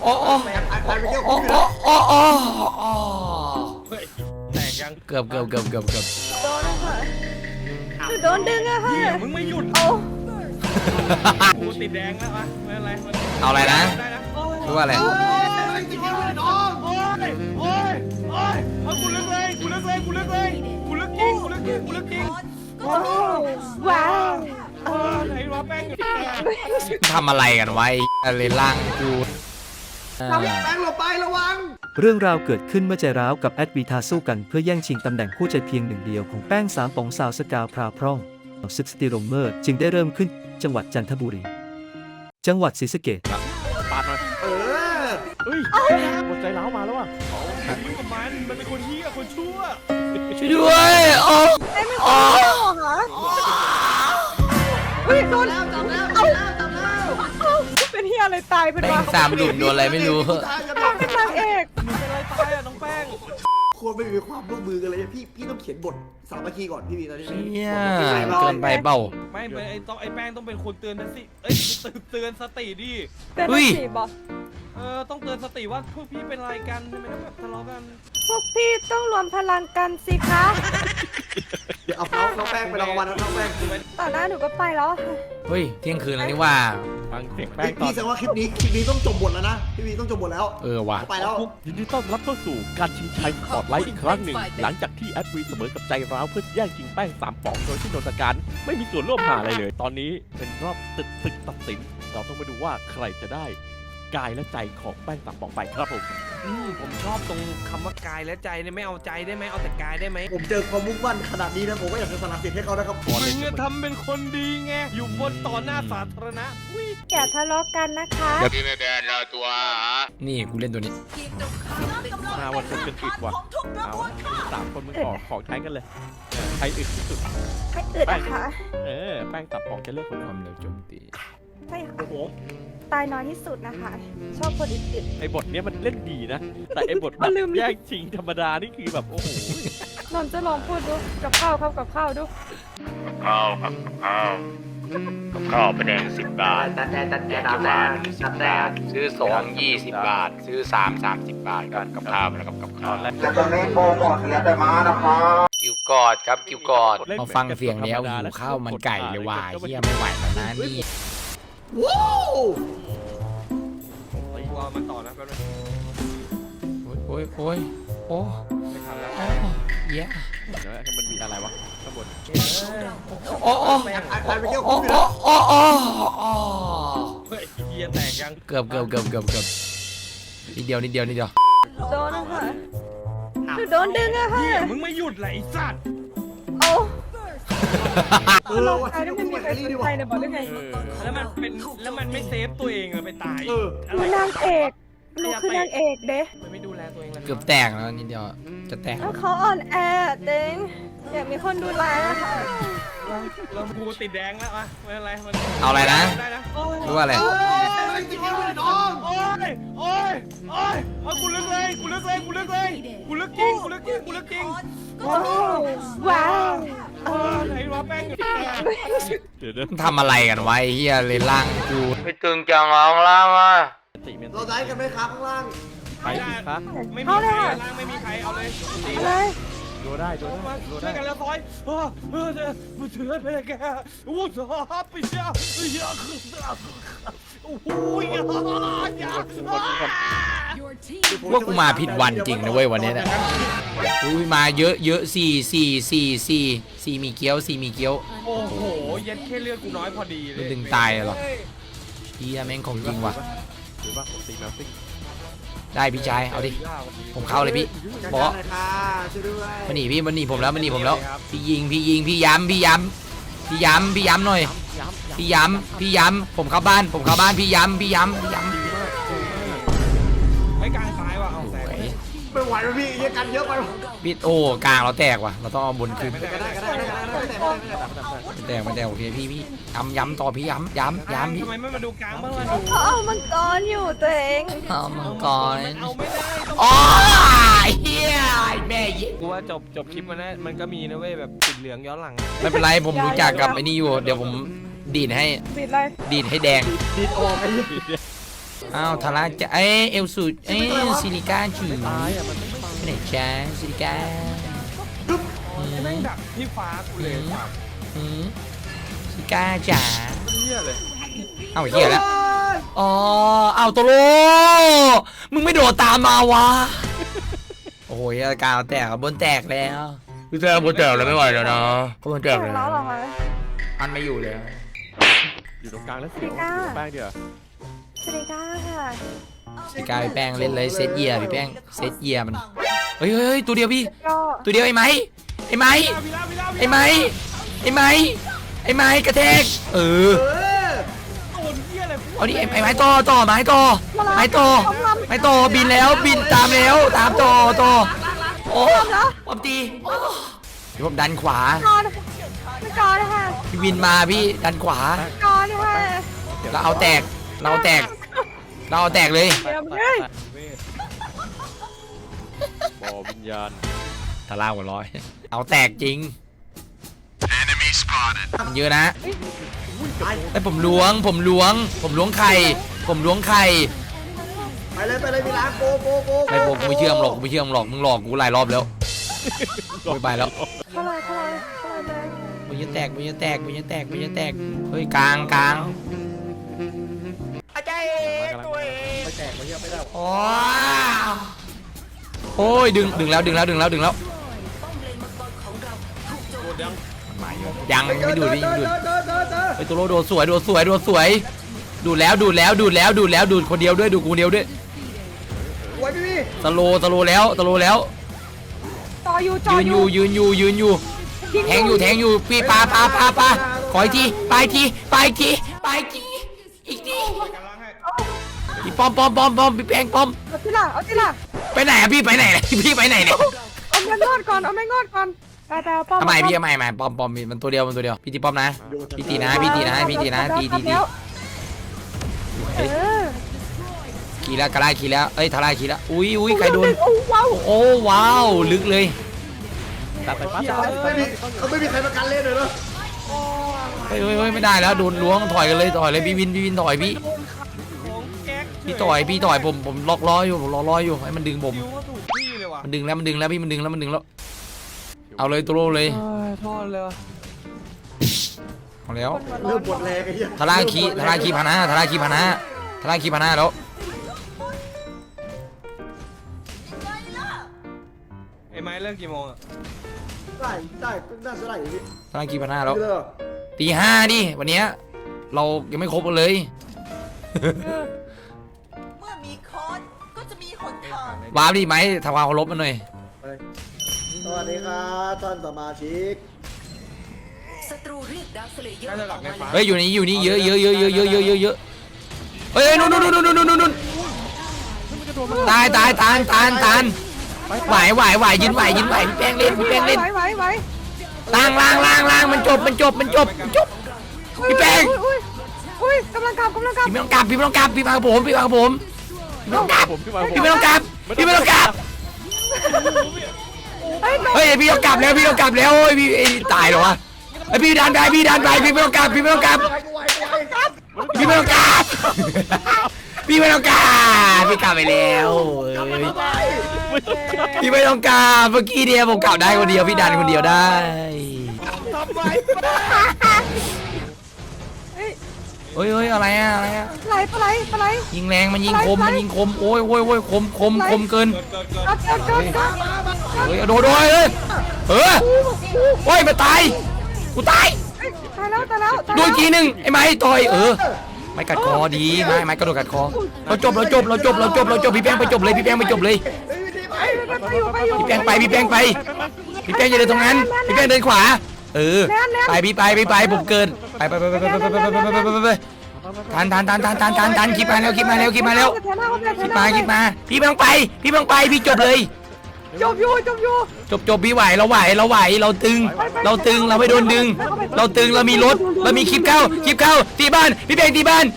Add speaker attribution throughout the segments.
Speaker 1: โอ้โอ้
Speaker 2: ตายไปเที่ยว
Speaker 1: โอ้
Speaker 2: คุ้ม
Speaker 1: โอ้โอ้โอ้
Speaker 3: แตกยัง
Speaker 1: เกือบ
Speaker 4: โดนนะคะโดนดึงอะค่ะ
Speaker 3: มึงไม่หยุด
Speaker 4: โอ้
Speaker 3: กูติดแดงแล้วอะไม่เป็นไร
Speaker 1: เอาอะไรนะ
Speaker 3: ได้นะ
Speaker 1: รู้ว่าอะไร
Speaker 2: โอ้ยจริงๆเลยน้อง
Speaker 3: โอ้ยโอ้ยโอ้ยเอากูเลิกเลยกูเลิกเลยกูเลิกเลยกูเลิกจริงกูเลิกจริงกูเลิกจริง
Speaker 4: โอ้ว้าว
Speaker 3: ไหนวะแป้งอยู่
Speaker 1: ทำอะไรกันไว้อะไรล่างกู
Speaker 2: แป้งหลบไประวัง
Speaker 5: เรื่องราวเกิดขึ้นเมื่อใจร้าวกับแอดวีทาสู้กันเพื่อแย่งชิงตำแหน่งคู่ใจเพียงหนึ่งเดียวของแป้งสามป๋องสาวสกาวพราวพร่องซึกสติโรเมอร์จึงได้เริ่มขึ้นจังหวัดจันทบุรี จังหวัดศรีสะเกษ
Speaker 3: ปาดหน่อย
Speaker 2: เออ
Speaker 3: เฮ้ยหมดใจร้าวมาแล้วอ่ะยุ่งกับมันเป็นคนเหี้ยคนชั่ว
Speaker 1: ช่วยด้วยโอ้
Speaker 4: ไอ้ไม่ตายเหรอคะเฮ้ยโดน
Speaker 2: แล้วจับแล้วจับแล้วจับแล้ว
Speaker 4: เป็นเฮียอะไรตายเป็น
Speaker 1: แม่
Speaker 4: วะ
Speaker 1: งสามหลุมโดนอะไรไม่รู้
Speaker 4: เป็นนางเอก
Speaker 3: มึงเป็นอะไรตายอ่ะน้องแป้ง
Speaker 2: ควรไม่มีความร่วมมือกันเลยพี่ต้องเขียนบทสามัคคีก่อนพี่ตอนนี้
Speaker 1: เชี่ยเกินไปเปล่า
Speaker 3: ไม่เป็นไอ้แป้งต้องเป็นคนเตือนนะสิเอ้ยเตือนสติดิ
Speaker 4: เป็น
Speaker 1: อุ้ย
Speaker 4: สีบอก
Speaker 3: ต้องเตือนสติว่าพวกพี่เป็นอะไรกันทำไมต้องแบบทะเลาะกัน
Speaker 4: พวกพี่ต้องรวมพลังกันสิคะ
Speaker 2: เดี๋ยวเอาน้องแป้งไปรางวัลน้องแป้ง
Speaker 4: ต่อหน้าหนูก็ไปแล้ว
Speaker 1: เฮ้ยเที่ยงคืนแล้วนี่ว่า
Speaker 3: ฟังเสียงแป้งตอ
Speaker 2: พี่
Speaker 3: น
Speaker 2: แสดงว่าคลิปนี้ต้องจบบทแล้วนะพี่ต้องจบบทแล้ว
Speaker 1: เออว่ะ
Speaker 2: เอาไปแล้ว
Speaker 6: ยินดีต้อนรับเข้าสู่การชิงชัยสปอร์ตไลท์อีกครั้งหนึ่ง หลังจากที่แอดวีเสมอกับใจร้าวเพื่อแย่งชิงแป้ง3 ป๋องโดยที่นนทการไม่มีส่วนร่วมหาอะไรเลย ตอนนี้เป็นรอบศึกตัดสิน เราต้องมาดูว่าใครจะได้กายและใจของแป้ง3 ป๋องไปครับผม
Speaker 3: ผมชอบตรงคำว่ากายและใจเนี่ยไม่เอาใจได้ไหมเอาแต่กายได้ไหม
Speaker 2: ผมเจอความมุ่งมั่นขนาดนี้นะผมก็อยากจะสนับสนุนให้เขานะครับ
Speaker 3: มึงจะทำเป็นคนดีไงอยู่บนต่อหน้าสาธารณะอุ้ย
Speaker 4: อย่าทะเลาะกันนะคะ
Speaker 1: นี่กูเล่นตัวนี้
Speaker 6: มาวันคนเป็นอึดว่ะเอา3 คนมึงของใช้กันเลยใครอึดที่สุด
Speaker 4: ให้อึดนะคะ
Speaker 6: แป้ง3 ป๋องจะเลือกคน
Speaker 1: ความเร็วโจมตี
Speaker 4: ใช่ค่ะ
Speaker 6: โอ้โห
Speaker 4: ตายน้อยที่สุดนะคะ ชอบคนอึด
Speaker 6: ไอ้บทเนี้ยมันเล่นดีนะ แต่ไอ้บทแบบแย่งชิงธรรมดานี่คือแบบโอ้โห
Speaker 4: ๆนนท์จะลองพูดดูกับข้าวครับกับข้าวดู
Speaker 7: ข้าวครับกับข้าวเป็นแดง10 บาทแกงเขียวหวาน10 บาท ซื้อ2 20 บาท ซื้อ3 30 บาทกันกับข้าวแล้วกับข้าว
Speaker 8: จะตอนนี้โปรโมทเหลือแต่ม้านะครับ
Speaker 1: คิวกอดครับคิวกอดพอฟังเสียงแล้วหิวข้าวมันไก่เลยว่ะเฮียไม่ไหวแล้วนะนี่
Speaker 2: ว้าว
Speaker 3: กลัวมันต่อนะแป๊บนึง
Speaker 1: โอ้ยโอ้ยโอ้
Speaker 3: ไม่ทันแล้ว
Speaker 1: โอ้เย้
Speaker 6: เดี๋ยวมันมีอะไรวะข้างบน
Speaker 1: โอ้โอ้
Speaker 2: ตายไปเที่ยว
Speaker 1: โอ้
Speaker 2: คุ้มอยู่
Speaker 1: โอ้
Speaker 2: นะ
Speaker 1: โอ้โอ้
Speaker 3: เฮ้ยเฮียแตกยัง
Speaker 1: เกือบนิดเดียวนิดเดียว
Speaker 4: โดนนะคะโดนดึงอะค่ะ
Speaker 3: เฮียมึงไม่หยุดเลยไอ้สัตว์
Speaker 4: โอ้
Speaker 2: เรา
Speaker 4: ตายแล้วไม่มีใครสนใจเลยบอกได้ไง
Speaker 3: แล้วมันไม่เซฟตัวเองเลยไปตาย
Speaker 4: หนูนางเอกหนูคือนางเอกเด้
Speaker 3: มันไม่ดูแลตัวเองเลย
Speaker 1: เกือบแตกแล้วนิดเดียวจะแตก
Speaker 4: แล้วเขาอ่อนแอเด้งอยากมีคนดูแลนะคะ
Speaker 3: เรากูติดแดงแล้วอะไม่เป็นไรมัน
Speaker 1: เอาอะไรนะ
Speaker 3: ได้นะ
Speaker 1: รู้ว่าอะไร
Speaker 2: เฮ้ยจริงๆเลยน้อง
Speaker 3: โอ้ยโอ้ยโอ้ยเอากูเลิกเลยกูเลิกเลยกูเลิกเลยกูเลิกจริงกูเลิกจริงกูเลิกจริง
Speaker 4: โอ้ว้าว
Speaker 3: ไหนวะแป้งอยู่
Speaker 6: เดี๋ยว
Speaker 1: ทำอะไรกันไว้เฮียเลยล่างกู
Speaker 7: ไม่ตึงจังเอาล่างอ่ะ
Speaker 6: ติเมียน
Speaker 2: เราได้กันไหมครับข้างล่าง
Speaker 6: ไปอีกครับ
Speaker 3: ไม่มีใครล่างไม่มีใครเอาเลยตี
Speaker 4: อะไร
Speaker 6: ดูได้ดูได้ดู
Speaker 3: ช่ว
Speaker 6: ได้
Speaker 3: ยกันแล้วซอยมันเถื่อนไปแกโอ้โหไปเชียเยอะขึ้นโอ้โหอย่า
Speaker 1: พวกกูมาผิดวันจริงนะเว้ยวันนี้เนี่ยอุ้ยมาเยอะสี่มีเกี๊ยว
Speaker 3: โอ้โหเย็ดแค่เลือดกูน้อยพอดีเลย
Speaker 1: มันดึงตายเหรอ เฮียแม่งของจริงว่ะ
Speaker 6: หรือว่าผมตีแมวซิ่ง
Speaker 1: ได้พี่ชายเอาดิผมเข้าเลยพี่บอส
Speaker 2: หน่อยค่ะช่วยด้วย
Speaker 1: มันหนีพี่มันหนีผมแล้วพี่ยิงพี่ย้ำหน่อยพี่ย้ำผมเข้าบ้านพี่ย้ำ
Speaker 3: ไอ้กลางซ้ายว่ะเอาแตก
Speaker 2: ไม่ไหวแล้วพี่เยอะกันเยอะไป
Speaker 1: พี่โอ้กลางเราแตกว่ะเราต้องเอาบนขึ้น
Speaker 2: ก็ได้
Speaker 1: แตกโอเคพี่ย้ำต่อพี่ย้ำพี่
Speaker 3: ทำไมไม่มาดูกลางบ้างล่ะดู
Speaker 4: เขาเอามังกรอยู่ตัวเอง
Speaker 1: เอามังกร
Speaker 3: เอาไม่ได้
Speaker 1: อ๋อเฮียแม่ยิ
Speaker 3: กูว่าจบคลิปมันก็มีนะเว้ยแบบติดเหลืองย้อนหลัง
Speaker 1: ไม่เป็นไรผมรู้จักกับไอ้นี่อยู่เดี๋ยวผมดีดให้
Speaker 4: บิดเลย
Speaker 1: ดีดให้แดง
Speaker 2: ดีดออกไอ้
Speaker 1: อ้าวทาร่าจะเอลสูซิลิก้าจืด
Speaker 6: ตายอ่ะมันไม่ตาย
Speaker 1: ไปไหนจ้าซิลิก้า
Speaker 3: แม่งดักที่ฟ้ากูเลยครับ
Speaker 1: ซิลิก้าจ๋า
Speaker 3: เหี้ยเลย
Speaker 1: เอ้าเหี้ยแล้วอ๋อเอ้าโตโรมึงไม่โดดตามมาวะโอ้ยอาการแตกบนแตกแล้วพี่แตกบนแตกแล้วไม่ไหวแล้วนะบนแตก
Speaker 4: ถึ
Speaker 1: แล้
Speaker 4: งแล้ว
Speaker 1: ว
Speaker 4: เหรอคะ
Speaker 1: อันไม่อยู่แล้ว
Speaker 6: อยู่ตรงกลางแล้วเสียว
Speaker 4: พี่ก้า
Speaker 6: แป้งเดียว
Speaker 4: สวัสดีค่ะ
Speaker 1: พี่กายแป้งเล่นเลยเซตเยียพี่แป้งเซตเยียมันเฮ้ยตัวเดียวพี่
Speaker 4: ก็
Speaker 1: ตัวเดียวไอ้ไม้ไอ้ไม้ไอ้ไม้ไอ้ไม้ไอ้ไม้กระแทก
Speaker 2: เออ
Speaker 3: โดนเหี้ยอะไร
Speaker 1: เอาดิไอ้ไม้ต่อไม้ต่อไม้ต่อไม้ต่อบินแล้วบินตามแล้วตามต่อโอ้ผมตีพี่ผมดันขวา
Speaker 4: จอนไม่จอนเลยค่ะ
Speaker 1: พี่วินมาพี่ดันขวา
Speaker 4: จอนเลยค่ะ
Speaker 1: เราเอาแตกเลย
Speaker 4: เดี๋ยวมึงเอ้ย
Speaker 6: บ่อวิญญาณ
Speaker 1: ทาร่าหัวร้อยเอาแตกจริงมันเยอะนะไอ้ผมล้วงไข่
Speaker 2: ไปเลยมีร้านโก
Speaker 1: ไม่ผมไม่เชื่อมหรอกมึงหลอกกูหลายรอบแล้วไม่ไปแล้ว
Speaker 4: เข้าเลยเลย
Speaker 1: มันจะแตกเฮ้ยกลาง
Speaker 6: มากันแล้ว
Speaker 1: โอ้ยดึงแล้วยังไม่ดูดไปตัวโลโดดสวยดูดแล้วดูดคนเดียวด้วย
Speaker 2: ไว้พี่
Speaker 1: ตะโลแล้ว
Speaker 4: จออยู่
Speaker 1: ยืนอยู่แทงอยู่พี่ปาขออีกทีไปอีกทีอีกทีพี่ป้อมพี่แป้งป้อม
Speaker 4: เอาที่ล่ะ
Speaker 1: ไปไหนอะพี่ไปไหนเนี่ย
Speaker 4: เอาแม่งอดก่อนแต่ป้อม
Speaker 1: ทำไมพี่ไม่ป้อมมันตัวเดียวพี่ตีป้อมนะพี่ตีนะตี
Speaker 4: เออ
Speaker 1: ขี่แล้วกระไรขี่แล้วทาร่าขี่แล้วอุ้ยใครโดน
Speaker 4: โอ้ว้าว
Speaker 1: โอ้ว้าวลึกเลย
Speaker 6: ตัดไปปั๊บ
Speaker 2: เขาไม่มีใครประกันเล่นเลยเนาะ
Speaker 1: เฮ้ยไม่ได้แล้วโดนล้วงถอยกันเลยพี่วินถอยพี่
Speaker 3: แก๊ก
Speaker 1: พี่ต่อยผมล็อกล้ออยู่ให้มันดึงผม
Speaker 3: คิวก็ถูกที่เลยว่ะ
Speaker 1: มันดึงแล้วพี่มันดึงแล้วเอาเลยตัวโลเลย
Speaker 3: โทษเลยว่ะ
Speaker 1: เอาแล้ว
Speaker 2: เริ่มหมดแรงไอ้เหี้ย
Speaker 1: ทาร่าขี่พานะแล้ว
Speaker 3: ไอ้ไม้เลิกกี่โมงอ่ะ
Speaker 2: ได้น่าจะได้พี่
Speaker 1: ทาร่าขี่พานะแล้ว
Speaker 2: เลิก
Speaker 1: ตี 5ดิวันเนี้ยเรายังไม่ครบกันเลย
Speaker 9: เมื่อมีค้อนก็จะมีหนทาง
Speaker 1: วาร์ปดิไหมทำความเคารพมันหน่อย
Speaker 2: สวัสดีครับท่านสมาชิก
Speaker 9: ศัตรูเรียกดาวสเลเยอ
Speaker 3: น่า
Speaker 9: ร์
Speaker 3: จะหลับในฟ้า
Speaker 1: เฮ้ยอยู่นี่เยอะเฮ้ยนู่นตายไหวยืนไหวพี่แป้งเล่น
Speaker 4: ไหว
Speaker 1: ล่างมันจบพี่แป้ง
Speaker 4: อุ้ยกำลังกลับ
Speaker 1: พี่ไม่ต้องกลับพี่มากับผมพี่ไม่ต้องกลับ
Speaker 6: ผมขึ้นมา
Speaker 1: พี่ไม่ต้องกลับเฮ้ยพี่ต้องกลับแล้วโอ้ยพี่ตายเหรอวะไอพี่ดันไปพี่ไม่ต้องกลับพี่ไม่ต้องกลับพี่กลับไปแล้วพี่ไม่ต้องกลับเมื่อกี้เนี่ยผมกลับได้คนเดียวพี่ดันคนเดียวได้
Speaker 3: ทำไม
Speaker 1: เฮ้ยอะไรอะ
Speaker 4: ปลาไหล
Speaker 1: ยิงแรงมันยิงคมโอ้ยคมเกิน
Speaker 4: จอด
Speaker 1: เฮ้ยโดนเลยโอ้ยมาตายกูตาย
Speaker 4: ตายแล้ว
Speaker 1: โดนทีนึงไอ้ไม้ต่อยไม่กัดคอดีไม่กระโดดกัดคอเราจบพี่แป้งไปจบเลยพี่แป้งจะเดินตรงนั้นพี่แป้งเดินขวาไปพี่ไปผมเกินไปทันคลิปมาแล้วคลิปมาพี่ไม่ต้องไปพี่จบเลย
Speaker 4: จบอยู่
Speaker 1: จบพี่ไหวเราตึงเราไม่โดนดึงเราตึงเรามีรถเรามีคลิปเข้าตีบ้านพี่แบงตีบ้าน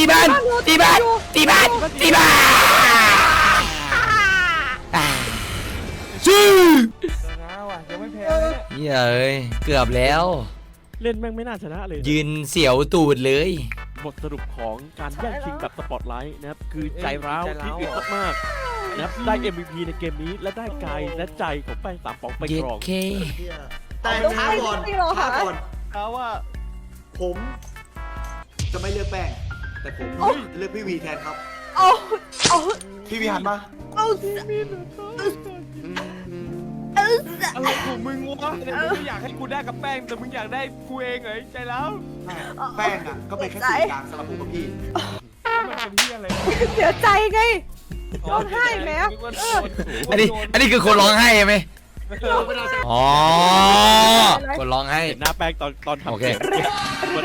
Speaker 1: ชื่อ
Speaker 3: นะว่ะยังไม่แพ้เลยเนี่ย
Speaker 1: เกือบแล้ว
Speaker 6: เล่นแม่งไม่น่าชนะเลย
Speaker 1: ยืนเสียวตูดเลย
Speaker 6: บทสรุปของการแย่งชิงแบบสปอตไลท์นะครับคือใจร้าวที่อึดมากๆนะครับได้ MVP ในเกมนี้และได้กายและใจของแป้ง3ป๋องไป
Speaker 1: เย็
Speaker 6: ค
Speaker 1: ด
Speaker 6: รอง
Speaker 1: เค
Speaker 2: แต่ช้าก่อนช้าก่อน
Speaker 3: เขาว่า
Speaker 2: ผมจะไม่เลือกแป้ง แต่ผมจะเลือกพี่วีแทนครับ
Speaker 4: เอาเอา
Speaker 2: พี่วีหันมา
Speaker 4: เอาเอา
Speaker 3: อะไรของมึงวะเนี่ยมึงไม่อยากให้กูได้กับแป้งแต่มึงอยากได้กูเองเหรอใจแล้ว
Speaker 2: แป้งอ่ะก็เป็นแค่สื่อกลางสำหรับผมกับพี่
Speaker 3: แล้วมันเป็นที่อะไร
Speaker 4: เสียใจไงร้องไห้ไหม
Speaker 1: อันนี้คือคนร้องไห้ไหมอ๋อคนร้องไห้
Speaker 6: เห็นหน้าแป้งตอนทำ
Speaker 1: โอเค
Speaker 6: เสียง